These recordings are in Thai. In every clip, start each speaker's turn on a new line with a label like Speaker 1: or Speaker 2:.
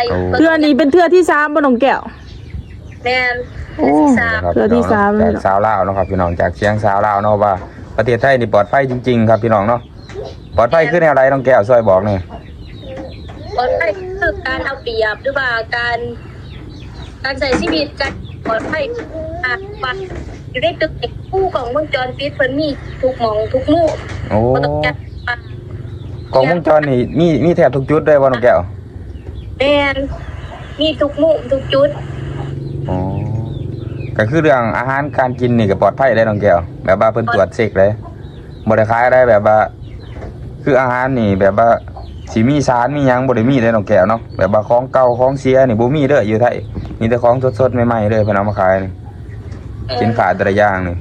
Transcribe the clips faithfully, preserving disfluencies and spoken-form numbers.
Speaker 1: เทื่อนี้เป็นเทื่อที่สามบ่น้องแก้ว
Speaker 2: แม่น
Speaker 1: โอ้เทื่อที่สาม
Speaker 3: จากสาวลาวเนาะครับพี่น้องจากเสียงสาวลาวเนาะว่าประเทศไทยนี่ปลอดภัยจริงๆครับพี่น้องเนาะปลอดภัยคือแนวไรน้องแก้วช่วยบอกหน่อย
Speaker 2: ปลอดภัยคือการเอาเปรียบหรือว่าการการใช้ชีวิตการปลอดภัยอ่ะบัดอยู่ในตึกคู่ของวงจรปิดเพิ่นมีทุกหม่องทุกมุม
Speaker 3: โอ้
Speaker 2: บ่ต้องจัด
Speaker 3: กล้องวงจรนี่มีมีแทบทุกจุดเลยว่าน้องแก้ว
Speaker 2: แม่นมีทุกมุมทุกจุด
Speaker 3: อ๋อก็คือเรื่องอาหารการกินนี่ก็ปลอดภัยได้น้องแก้วแบบว่าเพิ่นตรวจเช็คเลยบ่ได้ขายได้แบบว่าคืออาหารนี่แบบว่าสิมีสารมีหยังบ่ได้มีได้น้องแก้วเนาะแบบว่าของเก่าของเสียนี่บ่มีเด้ออยู่ไทยมีแต่ของสดๆใหม่ๆเลยเพิ่นเอามาขายนี่สินค้าแต่ละอย่างนี่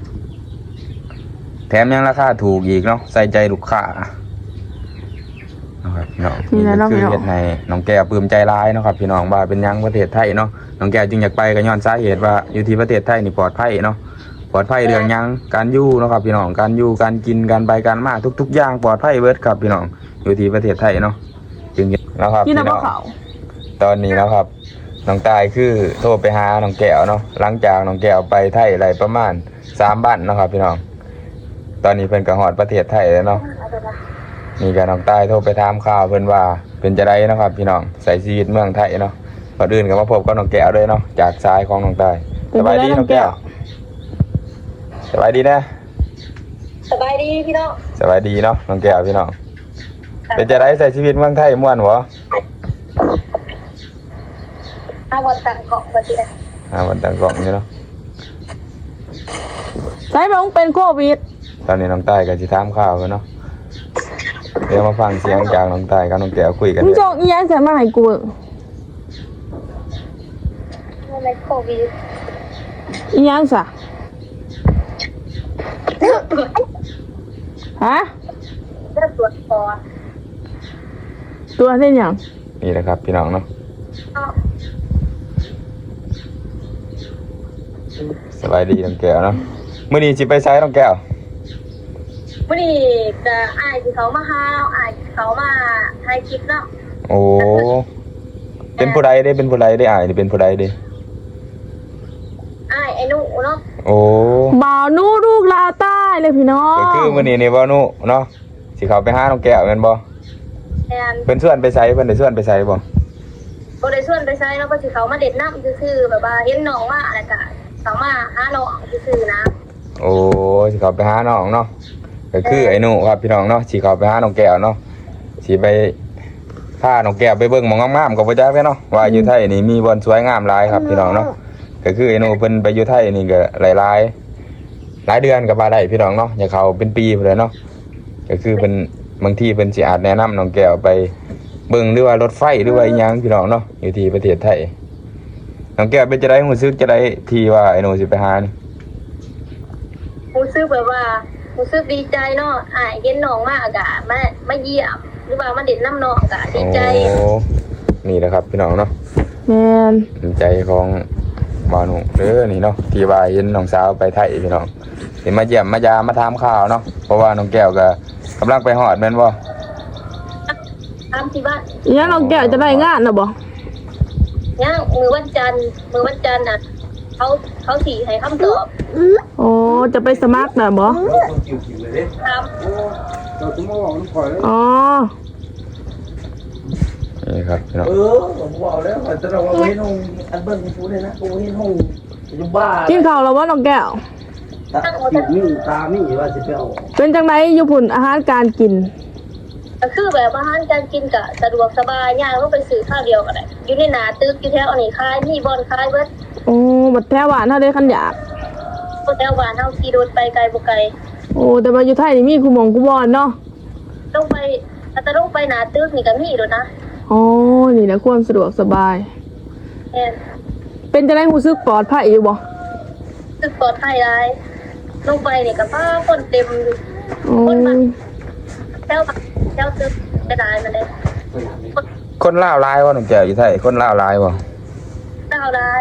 Speaker 3: แถมยังราคาถูกอีกเนาะใส่ใจลูกค้านะครับพี่น้องนี่ก็คือเฮ็ดให้น้องแก้วปลื้มใจร้ายเนาะครับพี่น้องว่าเป็นยังประเทศไทยเนาะน้องแก้วจึงอยากไปก็ย้อนสาเหตุว่าอยู่ที่ประเทศไทยนี่ปลอดภัยเนาะปลอดภัยเรื่องยังการอยู่เนาะครับพี่น้องการอยู่การกินการไปการมาทุกๆอย่างปลอดภัยเบิดครับพี่น้องอยู่ที่ประเทศไทยเนาะจึงนะครับพี่น้องตอนนี้นะครับน้องตายคือโทรไปหาน้องแก้วเนาะหลังจากน้องแก้วไปไทยได้ประมาณสามบ้านเนาะครับพี่น้องตอนนี้เพิ่นก็ฮอดประเทศไทยแล้วเนาะนี่ก็น้องตายโทรไปถามข่าวเพิ่นว่าเป็นจะได้นะครับพี่น้องใส่ชีวิตเมืองไทยเนาะก่อนอื่นก็มาพบกับน้องแก้วด้วยเนาะจากสายของน้องตายสบายดีน้องแก้วสบายดีนะ
Speaker 2: สบายดีพี่น้อง
Speaker 3: สบายดีเนาะน้องแก้วพี่น้องเป็นจะได้ใส่ชีวิตเมืองไทยม่วนบ่
Speaker 2: ห้าวันต่างเกาะบ่สิได้
Speaker 3: ห้าวันต่างเกาะนี่เนาะ
Speaker 1: ใส่บ่เป็นโควิด
Speaker 3: ตอนนี้น้องตายก็สิถามข่าวเพิ่นเนาะเดี๋ยวมาฟังเสียงจากน้องตายกับน้องแก้วคุยกัน
Speaker 1: มึงจงอีหยังใส่มาให้กู
Speaker 2: ในโควิด
Speaker 1: อีหยังซะฮะ
Speaker 2: เริ่มตรวจคอ
Speaker 1: ตัวเส้นหยัง
Speaker 3: นี่แหละครับพี่น้องเนาะสบายดีน้องแก้วเนาะมื้อนี้สิไปไสน้องแก้ว
Speaker 2: มื้อนี้ก็อ้ายที่เขามาหาอ้ายที่เขามาถ่ายคลิปเนาะ
Speaker 3: โอ้เป็นผู้ใดเด้เป็นผู้ใดได้อ้ายนี่เป็นผู้ใดเด้
Speaker 2: อ้ายไอ้นุเนาะ
Speaker 3: โอ้
Speaker 1: บ่าวนูลูกลาวใต้เลยพี่น้อง
Speaker 3: ก็คือมื้อนี้นี่บ่าวนุเนาะสิเข้าไปหาน้องแก้วแม่นบ่
Speaker 2: แม่น
Speaker 3: เพิ่นชวนไปไสเพิ่นได้ชวนไปไสบ่
Speaker 2: บ่ได้ชวนไปไสแล้วก็สิเขามาเด็ดน้ำซื่อๆแบบว่าเห็นน้องว่าแล้วก็เขามาหาน้องซื่อๆนะ
Speaker 3: โอ้สิเข้าไปหาน้องเนาะก็คือไอ้นุครับพี่น้องเนาะสิเข้าไปหาน้องแก้วเนาะสิไปพาน้องแก้วไปเบิ่งหม่องงามๆก็บ่จักเนาะว่าอยู่ไทยนี่มีบ่อนสวยงามหลายครับพี่น้องเนาะก็คือไอ้นุเพิ่นไปอยู่ไทยนี่ก็หลายๆหลายเดือนก็บ่ได้พี่น้องเนาะอย่าเข้าเป็นปีพุ่นเลยเนาะก็คือเพิ่นบางทีเพิ่นสิอาจแนะนำน้องแก้วไปเบิ่งหรือว่ารถไฟหรือว่าอีหยังพี่น้องเนาะอยู่ที่ประเทศไทยน้องแก้วเป็นจะได้รู้สึกจะได้ที่ว่าไอ้หนูสิไปหานี่
Speaker 2: รู้สึกแบบว่ารู้สึกดีใจเนาะอ้ายเห็นน้องมากะมามาเยี่ยมหรือว่ามาเด็ดน้ำน้องกะดีใจ
Speaker 3: โอ้นี่แหละครับพี่น้องเนาะ
Speaker 1: แม่น
Speaker 3: ดีใจของบ่าวหนูเด้อนี่เนาะที่ว่าเห็นน้องสาวไปไทยพี่น้องสิมาเยี่ยมมายามมาถามข่าวเนาะเพราะว่าน้องแก้วก็กำลังไปฮอดแม่นบ่
Speaker 2: ตามที่บ้าน
Speaker 1: ยังน้องแก้วจะได้งานน่ะบ่
Speaker 2: ยังมือวันจันทร์มือวันจันทร์น่ะเขาเขาสิให้คำตอบ
Speaker 1: โอ้จะไปสมัครน่ะบ่
Speaker 2: ครับ
Speaker 1: อ๋อ
Speaker 3: นี่ครับพี่น้อง
Speaker 4: เออผมบอกแล้วว่าจะเราเอาไว้ห้องอันเบิ้ลกูเลยนะกูให้ห้องอยู่บ้าน
Speaker 1: กินข้าวแล้วบ่น้องแก้ว
Speaker 4: ตามีตามีว่าสิไปเอา
Speaker 1: เป็นจังไดอยู่พุ่นอาหารการกิน
Speaker 2: ก็คือแบบอาหารการกินก็สะดวกสบายย่างลงไปซื้อข้าวเดียวก็ได้อยู่ในหน้าตึกอยู่แถวอันนี้ขายมีบ่อนขายเบิด
Speaker 1: โอ้บัดแถวบ้านเฮาได้คันอยาก
Speaker 2: บ่แถวบ้านเฮาขี่รถไปไกลบ่ไกล
Speaker 1: โอ้แต่ว่าอยู่ไทยนี่มีคุหม่องคุบ่อนเนาะ
Speaker 2: ลงไปถ้าลงไปหน้าตึกนี่ก็มีโดดนะ
Speaker 1: อ๋อนี่แหละความสะดวกสบาย
Speaker 2: แม่น
Speaker 1: เป็นจังได๋รู้สึกปลอดภัยอยู่บ่
Speaker 2: รู้สึกปลอดภัยหลายลงไปนี่ก็พาคนเต็มคนมาแถวแถวตึกกระดายมาเลย
Speaker 3: คนลาวหลายบ่น้องแก้วอยู่ไทยคนลาวหลายบ่
Speaker 2: ลาวหลาย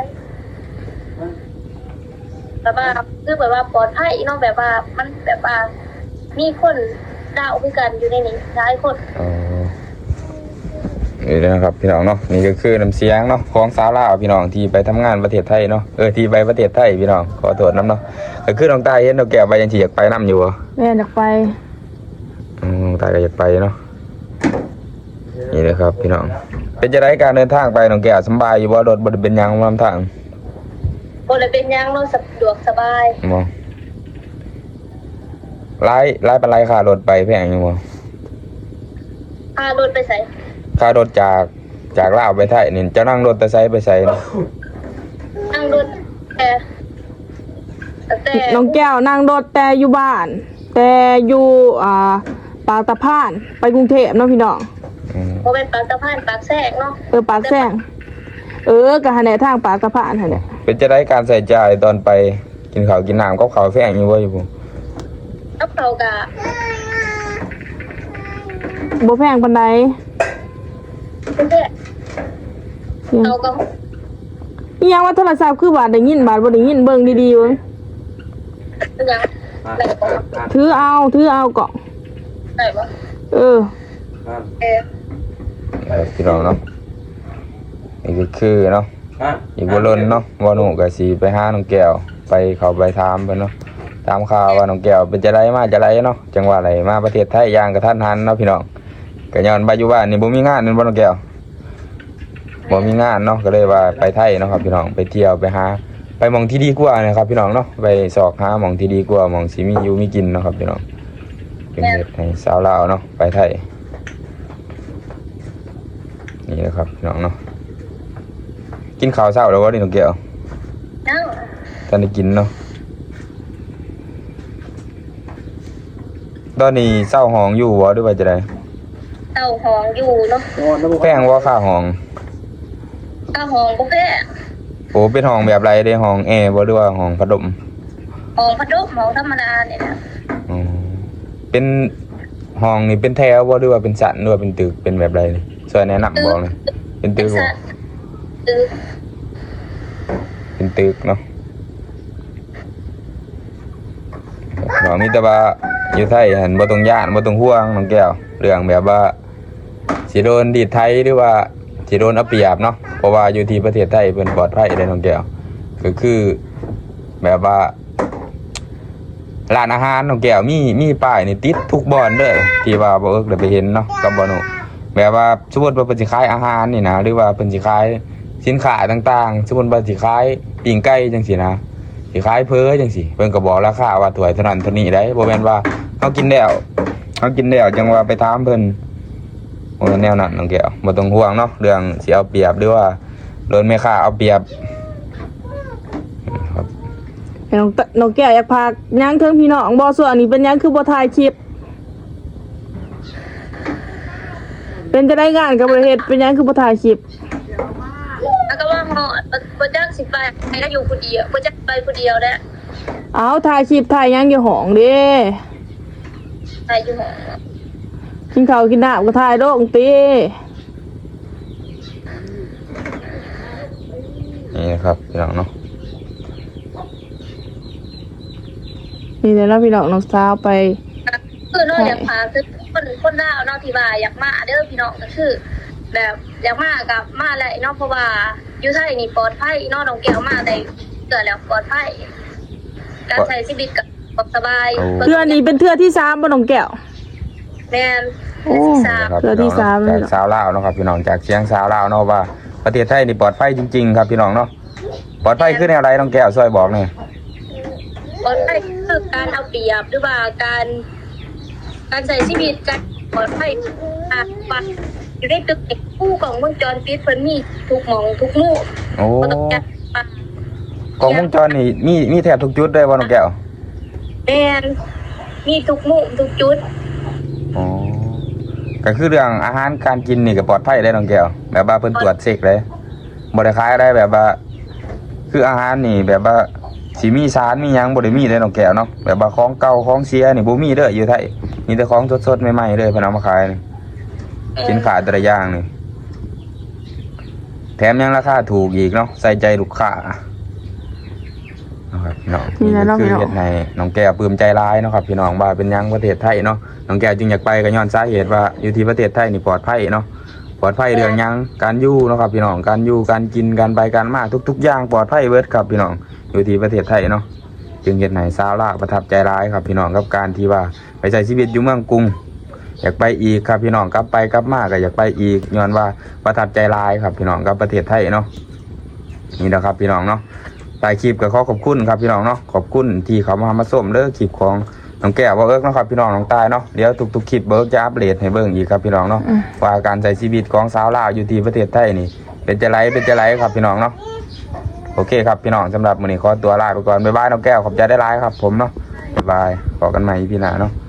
Speaker 2: แบบว่าคือแบบว่าปลอดภัยเนาะแบบว่ามันแบบว่ามีคนดาวคือกันอยู่ในนี้หลายคน
Speaker 3: อ๋อนี่นะครับพี่น้องเนาะนี่ก็คือน้ำเสียงเนาะของสาวลาวพี่น้องที่ไปทำงานประเทศไทยเนาะเออที่ไปประเทศไทยพี่น้องขอโทษน้ำเนาะก็คือน้องตายเห็นน้องแก้วไปยังที่อยากไปน้ำอยู่บ่
Speaker 1: แม่อยากไป
Speaker 3: อืมน้องตายก็อยากไปเนาะนี่นะครับพี่น้องเป็นจะได้การเดินทางไปน้องแก้วสบายอยู่บ่รถบ่ได้เป็นหยังลำทาง
Speaker 2: บ่ได้เป็นหยังเนาะสะดวกสบาย
Speaker 3: บ่ไล่ไล่เป็นไรค่ารถไปแพงอยู่บ่
Speaker 2: พารถไปใส่
Speaker 3: ค่ารถจากจากลาวไปไทยนี่จะนั่งรถแต่ไซไปไสเนาะ
Speaker 2: นั่งรถแต่แต่
Speaker 1: น้องแก้วนั่งรถแต่อยู่บ้าน แต่อยู่อ่าปากตะพานไปกรุงเทพเนาะพี่น้อง
Speaker 3: อืม
Speaker 2: บ่เป็นปากสะพานปากแทรกเนาะ
Speaker 1: เออปากแซงเออกะหันแหนทางปากตะพานหั่นแหละ
Speaker 3: เป็นจะได้การใส่ใจายตอนไปกินข้าวกินน้ำกับข้าวแพงอยู่บ่อยู่บ่
Speaker 2: กับเขาก็
Speaker 1: บ่แพงปานใด
Speaker 2: เป็นแท้เขาก็
Speaker 1: อีหยังว่าโทรศัพท์คือบาดได้ยินบาดบ่ได้ยินเบิ่งดีๆเบิ่ง
Speaker 2: เป็นหยังได้บ่
Speaker 1: ถือเอาถือเอาเกาะ
Speaker 2: ได้บ่
Speaker 1: เออ
Speaker 2: เออ
Speaker 3: เออพี่น้องเนาะนี่ก็คือเนาะอีกบ่ล้นเนาะบ่หนูก็สิไปหาน้องแก้วไปเข้าไปถามเพิ่นเนาะตามข่าวว่าน้องแก้วเป็นจะไดมาจะไดเนาะจังหวัดไหนมาประเทศไทยอย่างกระทันหันเนาะพี่น้องก็ย้อนไปอยู่บ้านนี่บ่มีงานนั่นบ่น้องแก้วบ่มีงานเนาะก็เลยว่าไปไทยเนาะครับพี่น้องไปเที่ยวไปหาไปหม่องที่ดีกว่านะครับพี่น้องเนาะไปสอกหาหม่องที่ดีกว่าหม่องสิมีอยู่มีกินเนาะครับพี่น้องเป็นเฮ็ดให้สาวลาวเนาะไปไทยนี่นะครับพี่น้องเนาะกินข้าวเช้าแล้วบ่นี่น้องแก้ว
Speaker 2: นั่ง
Speaker 3: ท่านได้กินเนาะตอนนี้เศร้าห้องอยู่บ่หรือว่าจะได้
Speaker 2: เต้าหองอยู่เนาะ
Speaker 3: แพงว่าค่าห้อง
Speaker 2: เต้าหองบ่แพ้
Speaker 3: โอ้เป็นห้องแบบไรเด้ห้องแอร์บ่หรือว่าห้องพัดลม
Speaker 2: หองพัดลมหองธรรมดาเนี่ยนะ
Speaker 3: อ๋อเป็นห้องนี่เป็นแถวบ่หรือว่าเป็นสันหรือว่าเป็นตึกเป็นแบบไรนี่ช่วยแนะนำบอกเลยเป็นตึกบ่
Speaker 2: ตึก
Speaker 3: เป็นตึกเนาะเรามีแต่ว่าอยู่ไทยหันบ่ต้องย่านบ่ต้องห่วงน้องแก้วเรื่องแบบว่าสิโดนดีดไทยหรือว่าสิโดนเอาเปรียบเนาะเพราะว่าอยู่ที่ประเทศไทยเพิ่นปลอดภัยได้น้องแก้วก็คือแบบว่าร้านอาหารน้องแก้วมีมีป้ายนี่ติดทุกบ่อนเด้อที่ว่าบ่เอิกได้ไปเห็นเนาะกับบ่หนูแบบว่าสมมุติว่าเพิ่นสิขายอาหารนี่นะหรือว่าเพิ่นสิขายสินค้าต่างๆสมมุติว่าสิขายปิ้งไก่จังซี่นะสิขายเพ้อจังซี่เพิ่นก็บอกราคาว่าถ้วยเท่านั้นเท่านี้ได้บ่แม่นว่าเฮากินแล้วเฮากินแล้วจังว่าไปถามเพิ่นบ่แนวนั้นน้องแก้วบ่ต้องห่วงเนาะเรื่องสิเอาเปรียบหรือว่าโดนแม่ค้าเอาเปรียบครับ
Speaker 1: ให้น้องตะน้องแก้วอยากพากย่างเทิงพี่น้องบ่ส่วนอันนี้เป็นหยังคือบ่ถ่ายคลิป เป็นจะได้งานกับประเทศเป็นหยังคือบ่ถ่ายคลิป
Speaker 2: แล้วก็ว่าหอดบ่จักสิไปให้ได้อยู่ผู้เดียวบ่จักไปผู้เดียวแหละ
Speaker 1: เอาถ่ายคลิปถ่ายหยังอยู่ห้องเด้
Speaker 2: ไปอยู่หอ
Speaker 1: กินข้าวกินน้ำก็ถ่ายลงติ
Speaker 3: นี่นะครับพี่น้องเนาะ
Speaker 1: นี่แหละเนาะพี่น้องน้องสาวไป
Speaker 2: คือเนาะอยากพาคือคนคนลาวเนาะที่ว่าอยากมาเด้อพี่น้องก็คือ แบบอยากมากับมาแหละเนาะเพราะว่าอยู่ไทยนี่ปลอดภัยเนาะน้องแก้วมาได้เกิดแล้วปลอดภัยการใช้ชีวิตก็สบาย
Speaker 1: เทื่อนี้เป็นเทื่อที่สามบ่น้องแก้ว
Speaker 2: แม่น
Speaker 1: โอ้
Speaker 2: ที่สาม
Speaker 3: ครับ
Speaker 1: เทื่อที่สาม
Speaker 3: จากสาวลาวเนาะครับพี่น้องจากเชียงสาวลาวเนาะว่าประเทศไทยนี่ปลอดภัยจริงๆครับพี่น้องเนาะปลอดภัยคือแนวไรน้องแก้วช่วยบอกหน่อย
Speaker 2: ปลอดภัยคือการเอาเปรียบหรือว่าการการใช้ชีวิตการปลอดภัยอ่ะบัดอยู่ในตึกผู้ของวงจรปิดเพิ่นมีทุกหม่องทุกมุม
Speaker 3: โอ้
Speaker 2: บ่ต้องจัดปะ
Speaker 3: กล้องวงจรนี่มีมีแทบทุกจุดเลยว่าน้องแก้ว
Speaker 2: แม่นมีทุกมุมทุกจุด
Speaker 3: อ๋อก็คือเรื่องอาหารการกินนี่ก็ปลอดภัยได้น้องแก้วแบบว่าเพิ่นตรวจเช็คเลยบ่ได้ขายได้แบบว่า คืออาหารนี่แบบว่าสิมีสารมีหยังบ่ได้มีได้น้องแก้วเนาะแบบว่าของเก่าของเสียนี่บ่มีเด้ออยู่ไทยมีแต่ของสดๆใหม่ๆเลยเพิ่นเอามาขายนี่สินค้าแต่ละอย่างนี่แถมยังราคาถูกอีกเนาะใส่ใจลูกค้านะครับพี่น้องนี่ก็คือเฮ็ดให้น้องแก้วปลื้มใจร้ายเนาะครับพี่น้องว่าเป็นหยังประเทศไทยเนาะน้องแก้วจึงอยากไปก็ย้อนสาเหตุว่าอยู่ที่ประเทศไทยนี่ปลอดภัยเนาะปปลอดภัยเรื่องหยังการอยู่เนาะครับพี่น้องการอยู่การกินการไปการมาทุกๆอย่างปลอดภัยเบิดครับพี่น้องอยู่ที่ประเทศไทยเนาะจึงเฮ็ดให้ชาวลาวประทับใจร้ายครับพี่น้องกับการที่ว่าไปใช้ชีวิตอยู่เมืองกรุงอยากไปอีกครับพี่น้องกลับไปกลับมาก็อยากไปอีกย้อนว่าประทับใจร้ายครับพี่น้องกับประเทศไทยเนาะนี่นะครับพี่น้องเนาะถ่ายคลิปก็ขอขอบคุณครับพี่น้องเนาะขอบคุณที่เขามามาส้มเด้อคลิปของน้องแก้วบ่เอิกเนาะครับพี่น้องน้องตายเนาะเดี๋ยวทุกๆคลิปเบิกจะอัปเดตให้เบิ่งอีกครับพี่น้องเนาะว่าการใช้ชีวิตของสาวลาวอยู่ที่ประเทศไทยนี่เป็นจะไรเป็นจะไรครับพี่น้องเนาะโอเคครับพี่น้องสำหรับมื้อนี้ขอตัวลาไปก่อนบ๊ายบายน้องแก้วขอบใจได้หลายครับผมเนาะบ๊ายบายขอกันใหม่พี่หน้าเนาะ